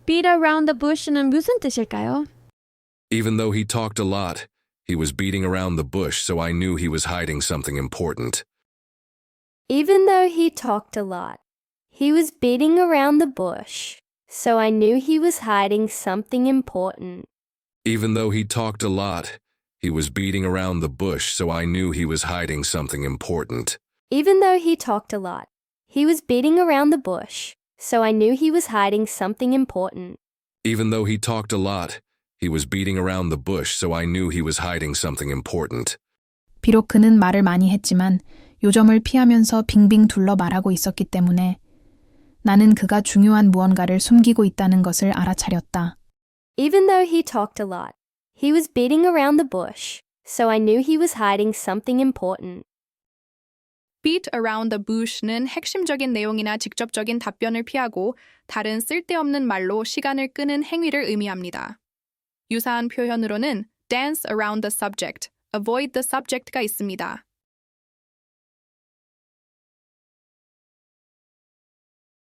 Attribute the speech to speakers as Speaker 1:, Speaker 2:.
Speaker 1: beat around the bush는 무슨 뜻일까요?
Speaker 2: Even though he talked a lot, he was beating around the bush, so I knew he was hiding something important.
Speaker 3: Even though he talked a lot, he was beating around the bush, so I knew he was hiding something important.
Speaker 2: Even though he talked a lot, he was beating around the bush, so I knew he was hiding something important.
Speaker 3: Even though he talked a lot, he was beating around the bush, so I knew he was hiding something important.
Speaker 2: Even though he talked a lot, he was beating around the bush, so I knew he was hiding something important.
Speaker 4: 비록 그는 말을 많이 했지만 요점을 피하면서 빙빙 둘러 말하고 있었기 때문에 나는 그가 중요한 무언가를 숨기고 있다는 것을 알아차렸다.
Speaker 3: Even though he talked a lot, he was beating around the bush, so I knew he was hiding something important.
Speaker 5: beat around the bush는 핵심적인 내용이나 직접적인 답변을 피하고 다른 쓸데없는 말로 시간을 끄는 행위를 의미합니다. 유사한 표현으로는 dance around the subject, avoid the subject가 있습니다.